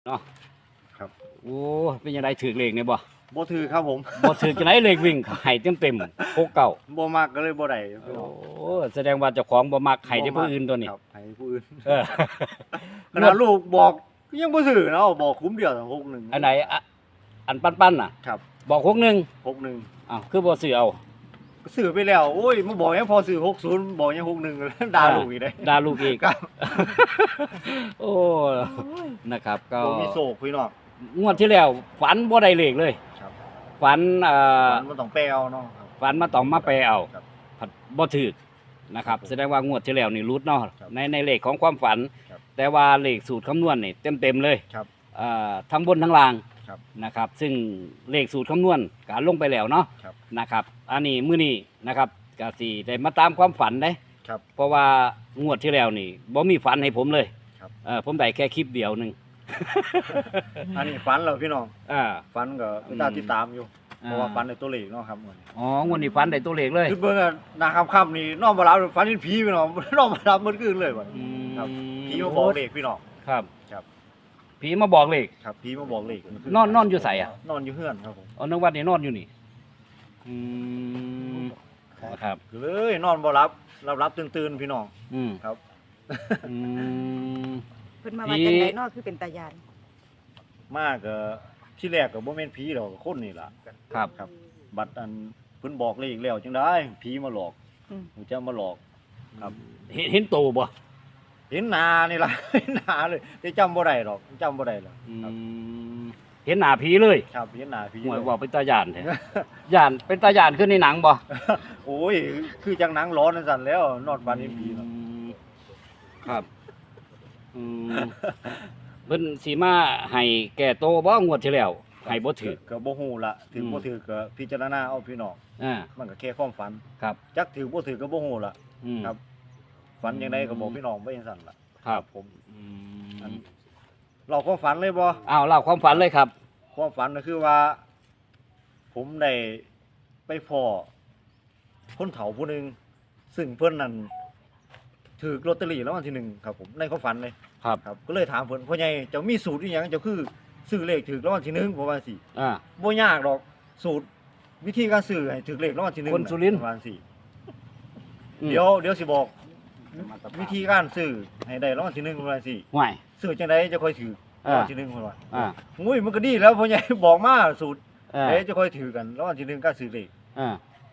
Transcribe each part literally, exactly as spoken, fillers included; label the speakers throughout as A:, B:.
A: เนาะ
B: ครับ
A: โอ้เป็นยังไงถือเลขเนี่ยบ่
B: บ่ถือครับผม
A: บ่ถือจังไดเลขวิ่งให้เต็มๆหกเก้า
B: บ่มักก็เลยบ่ได้
A: โอ้แสดงว่าเจ้าของบ่มักให้แต่ผู้อื่นตัวนี้
B: ครับให้ผู้อื่น
A: เออ
B: ขนาดลูกบอกยังบ่ซื้อเนาะบอกคุ้มเดียวหกหนึ่ง
A: อันไหนอะอันปั้นๆน่ะ
B: ครับ
A: บอกหกหนึ่ง
B: หกหนึ่ง
A: อ้าวคือบ่ซื้อเอา
B: ก็ซื้อไปแล้วโอ้ยมาบอกยังพอซื้อหกศูนย์บอกยังหกหนึ่งด่าลูกอีกได้
A: ด่าลูกอีก
B: ครับ
A: โอ้นะครับก็
B: บ่มีโศกพี่น้อง
A: งวดที่แล้วฝันบ่ได้เลขเลย
B: ครับ
A: ฝันเอ่อ
B: มันต้องแปลเอาเนาะครับ
A: ฝันมาต้องมาแปลเอา
B: ครับ
A: ผัดบ่ถูกนะครับแสดงว่างวดที่แล้วนี่รุดเนาะ
B: ครับ
A: ในในเลขของความฝัน
B: ครับ
A: แต่ว่าเลขสูตรคำนวณนี่เต็มๆเลย
B: ครับ
A: เอ่อทั้งบนทั้งล่าง
B: ครับ
A: นะครับ ซึ่งเลขสูตรคำนวณก็ลงไปแล้วเนาะ
B: ครับ
A: นะครับอันนี้มื้อนี้นะครับก็สิได้มาตามความฝันเด้
B: ครับ
A: เพราะว่างวดที่แล้วนี่บ่มีฝันให้ผมเลย
B: ครับ
A: เออผมได้แค่คลิปเดียวหนึง
B: อันนี้ฝันแล้วพี่น้อง
A: อ่า
B: ฝันก็ติดตามติดตามอยู่เพราะว่าฝันในตัวเลขเนาะครับมื้อนี้
A: อ๋องวดนี้ฝันได้ตัวเลขเลย
B: คือเบิ่งอะนาค่ำๆนี่นอนบ่หลับฝันเห็นผีพี่น้อง นอนบ่หลับมื้อคืนเลยบัด
A: อืม
B: ครับผีมาบอกเลขพี่น้อง
A: ครับ
B: ครับ
A: ผีมาบอกเลข
B: ครับผีมาบอกเลข
A: นอนนอนอยู่ไสอะ
B: นอนอยู่เฮือนครับผม
A: อ๋อนึกว่านี่นอนอยู่นี่อืมครับ
B: ก็เลยนอนบ่หลับหลับหลับตื่นๆพี่น้อง
A: อืม
B: ครับ
A: อืม
C: เพิ่นมาว่าจังไดเนาะคือเป็นตาญาณ
B: มากก็ที่แรกก็บ่แม่นผีดอกคนนี่ล่ะ
A: ครับ
B: ครับ บัดอันเพิ่นบอกเลขแล้วจังได้ผีมาหลอก
C: อืม
B: หูจะมาหลอก ครับ
A: เห็นเห็นโตบ่
B: เห็นหน้านี่ล่ะ เห็นหน้าเลยแต่จำบ่ได้ดอกจำบ่ได้แล้ว
A: อื
B: ครับ
A: มเห็นหน้าผีเลย
B: ครับเห็นหน้าผี
A: หมวย
B: เลย
A: บอกเป็นตาย่านแท้ ย่านเป็นตาย่านขึ้นในหนังบ่
B: โอ้ยคือจังหนังร้อนนั่นสั่นแล้วนอนฝันเห็นผีเนาะ
A: อืมครับอืมเพิ่นสิมาให้แก่โตบ่งวดที่แล้วให้บ่ถือ
B: ก็บ่ฮู้ละถือบ่
A: อืม
B: ถือก็พิจารณาเอาพี่น้อง
A: อ่า
B: มันก็แค่ความฝัน
A: ครับ
B: จักถือบ่ถือก็บ่ฮู้ละ
A: อืม
B: ครับ ฝันจังไดก็บอกพี่น้องไว้จังซั่นล่ะ
A: ครับ
B: ผม
A: อื
B: อัน
A: ม
B: เราความฝันเลยบ่
A: อ้าวเล่าความฝันเลยครับ
B: ความฝันก็คือว่า ผมได้ไปพ้อคนเฒ่าผู้หนึงซึ่งเพิ่นนั่นถูกลอตเตอรี่รางวัลที่หนึ่งครับผมในความฝันเลย
A: ครับ
B: ครับ ก็เลยถามเพิ่นพ่อใหญ่เจ้ามีสูตรอีหยังเจ้าคือซื้อเลขถูกรางวัลที่หนึ่งผมว่าสิ
A: อ่า
B: บ่ยากดอกสูตรวิธีการซื้อให้ถูกเลขรางวัลที่หนึ่ง
A: คนสุรินทร์
B: ประมาณสี่
A: อืม
B: เดี๋ยวเดี๋ยวสิบอก วิธีการซื้อให้ได้รางวัลที่หนึ่งประมาณสี่
A: ห่วย
B: ซื้อจังไดจะค่อยถือราง
A: อ่า
B: วัลที่หนึ่งเพิ่นว่า
A: อ่า
B: อุ้ยมันก็ดีแล้วพ่อใหญ่ บอกมาสูตร
A: อ่า
B: เดี๋ยวจะค่อยถือกันรางวัลที่หนึ่งการซื้อเลข
A: อ่าง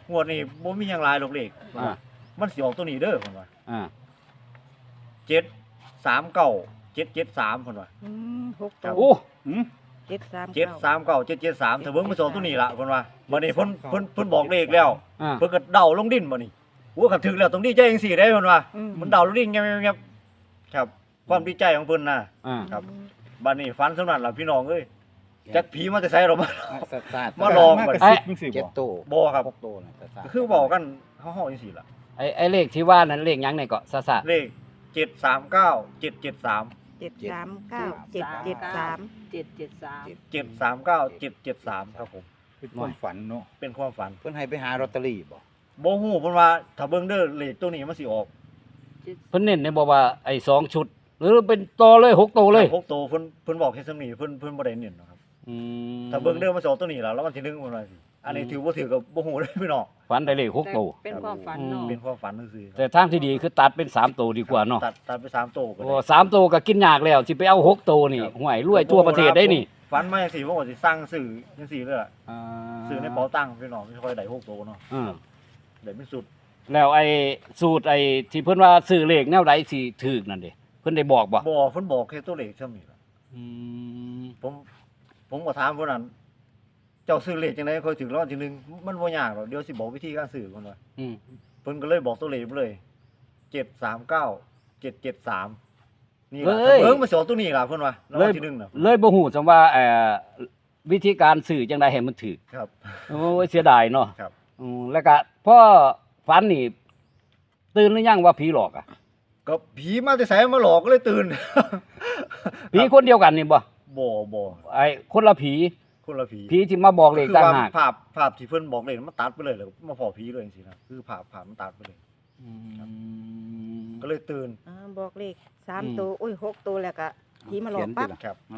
B: วดนี้บ่มีหยังหลายดอกเลข
A: อ่า
B: มันสิออกตัวนี้เด้อเพิ่นว่า
A: อ่า
B: เจ็ด สาม เก้า เจ็ด เจ็ด สามเพิ่นว่า
C: อืมหก
B: ครั
C: ตั
B: บ
C: ว
A: โอ้หืม
C: เจ็ดสาม
B: เจ็ด
C: เก้า
B: สามเก้าเจ็ดเจ็ดสามถ้าเบิ่งมันสิออกตัวนี้ล่ะเพิ่นว่าบัดนี้เพิ่นเพิ่นเพิ่นบอกเลขแล้ว
A: อ่า
B: เพิ่นก็เดาลงดินบ่นี่โอ้คันถึกแล้วต้องดีใจจังซี่ได้เพิ่นว่า
C: อืม
B: มันเดาลงดินเงียบๆๆครับ ความดีใจของเพิ่นน่ะ
A: อ่า
B: ครับ บัดนี้ฝันสำนั้นล่ะพี่น้องเอ้ยจักผีมาแต่ไสหรอกมา
D: สตาร์ท
B: มาลอง
D: มาก
B: บัด
D: ระซิบมึงสิ
A: เจ็
D: เจ็
A: ด
D: ด
A: โต
D: โต
B: บ่ครับ
D: หกโตนะสตาร์ท
B: ก็คือบอกกันเฮาๆจังซี่ล่ะ
A: ไอ้ไอ้เลขที่ว่านั้นเลขหยังเนี่ยก็ซะซะ
B: เลขเจ็ด สาม เก้า เจ็ด เจ็ด สาม
C: เจ็ดสามเก้าเจ็ดเจ็ดสาม
E: เจ็ดเจ็ดสาม
B: เจ็ด สาม เก้า เจ็ด เจ็ด สามครับผม
D: เป็นความฝันเนาะ
B: เป็นความฝัน
D: เพิ่นให้ไปหาลอตเตอรี่บ่
B: บ่ฮู้เพิ่นว่าถ้าเบิ่งเด้อเลขตัวนี้มันสิออก
A: เพิ่นเน้นเนี่ยบอกว่าไอ้สองชุด หรือเป็นโตเลยหกโตเลย
B: หกตัวเพิ่นเพิ่นบอกแค่ซำนี้เพิ่นเพิ่นบ่ได้เน้นหรอกครับ
A: อืม
B: ถ้าเบิ่งเด้อมันสิออกตัวนี้ล่ะแล้วมันสิหนึ่งเพิ่นว่าสิอันนี้ถือบ่ถือก็บ่ฮู้เด้อพี่น้อง
A: ฝันได้เลขหกโต
E: เป็นความฝันเนาะ
B: เป็นความฝันซื่อๆ
A: แต่ทางที่ดีคือตัดเป็นสามโตดีกว่าเนาะ
B: ตัดตัดไปสามตัวก็
A: โอ้
B: ได้
A: สามโตก็กินยากแล้วสิไปเอาหกโตนี่ห่วยรวยทั่วประเทศได้นี่
B: ฝันมาจังซี่ผมก็สิสั่งซื้อจังซี่เลยล่ะ
A: อ่า
B: ซื้อในเป๋าตังค์พี่น้องไม่ค่อยได้หกตัวเนาะ
A: อ่า
B: ได้เป็นสุด
A: แล้วไอ้สูตรไอ้ที่เพิ่นว่าซื้อเลขแนวใดสิถูกนั่นเด้เพิ่นได้บอกบ่
B: บ่เพิ่นบอกแค่ตัวเลขซำนี้ล่ะ
A: อืม
B: ผมผมก็ถามเพิ่นนั้นเจ้าซื้อเลขจังได๋ค่อยถึงรางวัลที่หนึ่งมันบ่ยากหรอกเดี๋ยวสิบอกวิธีการซื้อเพิ่นว่า
A: อืม
B: เพิ่นก็เลยบอกตัวเลขไปเลยเจ็ด สาม เก้า เจ็ด เจ็ด สามนี่ล่ะถ้าเบิ่งมันสิออกตัวนี้ล่ะเพิ่นว่ารางวัลที่หนึ่งน่ะ
A: เลยบ่ฮู้จังว่าเอ่อวิธีการซื้อจังไดให้มันถูก
B: ครับ
A: โอ้ยเสียดายเนาะ
B: ครับ
A: อืมแล้วก็พ่อฝันนี่ตื่นหรือยังว่าผีหลอกอ่ะ
B: ก็ผีมาแต่ไสมาหลอกก็เลยตื่น
A: ผีคนเดียวกันนี่บ่
B: บ่บ่
A: ไอ้คนละผี
B: คนละผี
A: ผีที่มาบอกเลข
B: คือ
A: ต่าง
B: ว่า
A: หาก
B: ภาพภาพที่เพิ่นบอกเลขมันตัดไปเลยแล้วมาพอผีเลยจังซี่นะคือภาพภาพมันตัดไปเลย
A: อืม
B: ก็เลยตื่น
C: อ่าบอกเลขสาม
A: อืม
C: ตัวโอ้ยหกตัวแล้วก็ผีมาหลอกปั๊บ
B: ครับ
D: นั่นล่ะ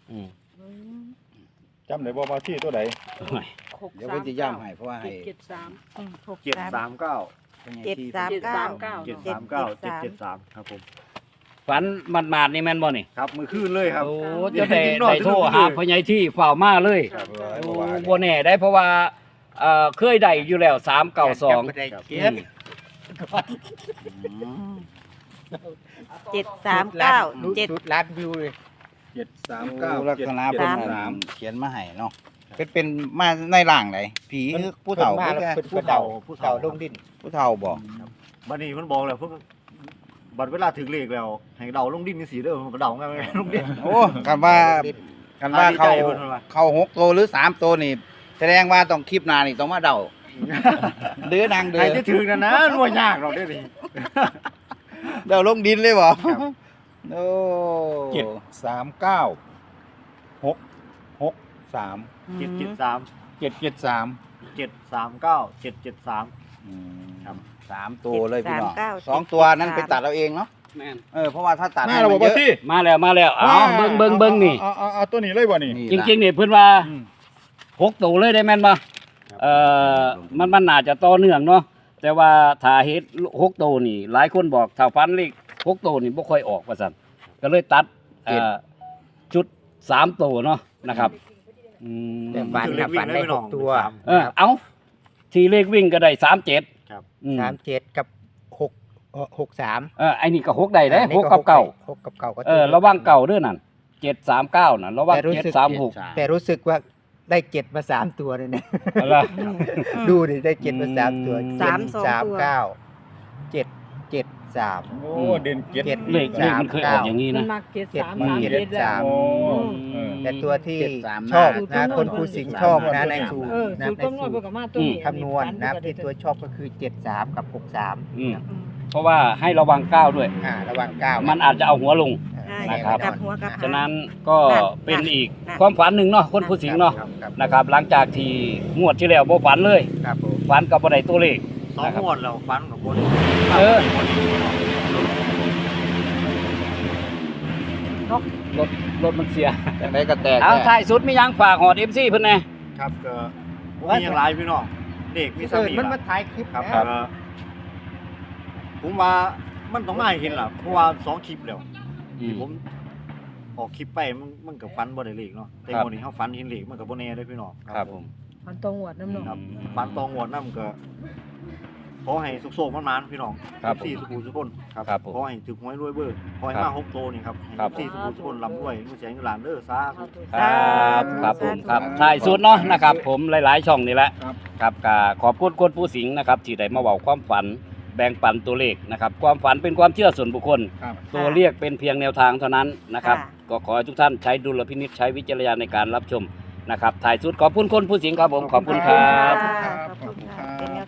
A: อืม
C: อืม
E: จำได้บ่ว่าที่ตัวใด
A: โอ้ย
D: เดี๋ยวเพิ่นสิย่ำให้เพราะว่าให้
F: เจ็ดสาม
C: อืมหก
B: เจ็ด
C: สาม
B: สามเก้า
C: เจ็ดสามเก้า
B: เจ็ดสามเก้าเจ็ดเจ็ดสามครับผม
A: ฝันหมาดๆนี่แม่นบ่นี่
B: ครับมือขึ้นเลยครับ
A: โอ้จะได้ได้โทรหาพ่อใหญ่ที่เฝ้ามาเลย
B: ครับ
A: โอ้บ่แน่ได้เพราะว่าเอ่อเคยได้อยู่แล้วสามเก้าสอง
D: ได้เก็
A: อื
D: บ
A: ม
C: เจ็ดสามเก้าเจ็ด
D: สุดล้านวิวเลย
E: เจ็ดสาม
D: เก้า
E: เก้า
D: ลักษณะ
E: เจ็
D: เพิ่
E: ด
D: น
E: สาม
D: เขียนมาให้เนาะเป็นเป็นมาในร่างไหนผีหรือผู้เฒ่า
E: เพิ่นมาแล้ว
D: ผู้
E: เพิ่นผู้เฒ่าผู้เฒ่าลงดิน
D: ผู้เฒ่าบอก
B: บัดนี้เพิ่นบอกแล้วเพิ่นบัดเวลาถึงเลขแล้วให้เดาลงดินจังซี่เด้อมันก็เดาง่ายๆลงดิน
D: โอ้กันว่ากันว่าเขา
B: อ่าดีใจเพิ่นว่า
D: เขาหกตัวหรือสามตัวนี่แสดงว่าต้องคลิปหน้านี่ต้องมาเดาเดือนางเดือ
B: ให้จะถึงนั่นนะมันบ่ยากหรอกเด้อนี่
D: เดาลงดินเลยบ่โอ้
E: เจ็ดสามเก้าหกหกสาม
B: เจ็ดเจ็ดสาม
E: เจ็ดเจ็ดสาม
B: เจ็ดสามเก้าเจ็ดเจ็ดสาม
D: ครับสามตัวเลยพี่น้อง
C: เจ็ดสามเก้า
D: สองตัวนั้นไปตัดเอาเองเนาะ
A: แม่น
D: เออเพราะว่าถ้าตัด
E: มา
D: ให้
E: เรา
D: มั
E: บอก
D: นเย
E: ว่า
D: อะ
E: ที่
A: มาแล้วมาแล้วเอาเบิ่งเบิ่งเบิ่งนี่
E: เอาเอาเอาตัวนี้เลยบ่นี่
D: นี่
A: จ
D: ล่ะ
A: ริงๆนี่เพิ่นว่า
E: อืม
A: หกตัวเลยได้แม่นบ่เอ่อมันมันน่าจะต่อเนื่องเนาะแต่ว่าถ้าเฮ็ดหกตัวนี่ หลายคนบอกถ้าฟันเลขหกตัวนี่บ่ค่อยออกว่าซั่นก็เลยตัดเอ่อจุดสามตัวเนาะนะครับอืม
G: แต่ฝันนะฝันได้หกตัว
A: เออเอาที่เลขวิ่งก็ได้สามเจ็ด
B: ครับ
A: อืม
G: สามเจ็ดกับหกเอ่อหกสาม
A: เออไอ้นี่ก็หกได้เด้
G: อันนี้
A: หกกับเก่า
G: หกกับเก่าก็
A: เออระวังเก่าเด้อนั่นเจ็ดสามเก้าน่ะระวัง
G: แต่รู้
A: เจ็ด
G: สึก
A: สามหก
G: แต่รู้สึกว่าได้เจ็ดมาสามตัวเลยเนี่ย
A: อะไร
G: ดูดิได้เจ็ดมาสามตัว
A: อืม
C: สามสอง
G: สาม
C: ตัว
G: เก้าเจ็ดเจ็ดสาม
E: โอ้เด่นเจ็ด
G: เจ็ด
A: เลขเลขมันเคยออกอย่างนี้
F: มั
A: นะ
F: นมาเจ็ดสาม
G: เจ็ด
F: สาม
G: เจ็ด
F: เจ็ดแล้ว
G: สาม
E: โอ้เออ
G: แต่ตัวที่
D: เจ็ดสาม
G: ชอบ
F: หน้า
G: นะคนผู้สิงห์ชอบนะในสูตร
F: เออ
G: นะ
F: สูตร
G: ใน
F: คำนว
G: สู
F: ณ
G: ต
F: เพื่อ
G: ร
F: กับมาตัวนี้
G: คำนวณนะครับที่ตัวชอบก็คือเจ็ดสามกับหกสาม
A: อืมเพราะว่าให้ระวังก้าวด้วย
G: อ่าระวังเก้า
A: มันอาจจะเอาหัวลง
C: ใช่
A: นะครับ
C: กลับหัวกลับหาง
A: ฉะนั้นก็
C: นั่น
A: เป็นอีก
C: นั่น
A: ความฝันหนึ่งเนาะคนผู้สิงห์เนาะ
G: ครับครับ
A: นะครับ หลังจากที่งวดที่แล้วบ่ฝันเลย
G: ครับผม
A: ฝันกับบ่ได้ตัวเลข
B: สองงวดแล้วฟันกับคน
A: เออ รถรถมันเสีย
D: จังไดก็แตก
A: เอา
D: แน่
A: ท้ายสุดมียังฝากหอด เอ็ม ซี เพิ่นแน่
B: ครับก็มีอย่างไรพี่น้องเด็กมีส
G: เออ
B: มี
G: มัน
B: ล่ะ
G: มาถ่ายคลิป
B: ครับ
G: นะ
B: เอ่อผมว่ามันต้องมาให้เห็นล่ะเพราะว่าสองคลิปแล้ว
A: อื
B: ที่
A: ม
B: ผมออกคลิปไปมันมันกับฟันบ่ได้เลขเนาะแต่
A: ครับ
B: วันนี้เฮาฟันเห็นเลขมันก็บ่แน่เด้อพี่น้อง
A: ครับผม
F: มันตรงหวดน้ำหนอง
B: ครับฟันตองงวดนำก็ขอให้สุขโสมมันๆพี่น้อง
A: ครับผม
B: สี่สุขุสุขคนครับ
A: ครับผม
B: ขอให้ถึกหวยรวยเบอร์ขอให้
A: ครั
B: มา
A: บ
B: หกโตนี่ครับให้
A: ครับ
B: สี่สุขุสุขคนร่ำรวยมือแสงอยู่หลานเด้อสาธุ
A: ครับครับผมครับท้ายสุดเนาะนะครับ ผมหลาย ๆ ช่องนี่แหละ
E: ครับ
A: ครับก็ขอบคุณคนผู้สิงห์นะครับที่ได้มาเว้าความฝันแบ่งปันตัวเลขนะครับความฝันเป็นความเชื่อส่วนบุคคล
E: ครับ
A: ตัวเรียกเป็นเพียงแนวทางเท่านั้นนะครับ
C: ค่ะ
A: ก็ขอให้ทุกท่านใช้ดุลพินิจใช้วิจารณญาณในการรับชมนะครับถ่ายสุดขอบคุณคนผู้สิงห์ครับผมขอบคุณครับ
C: ขอบคุณค่ะ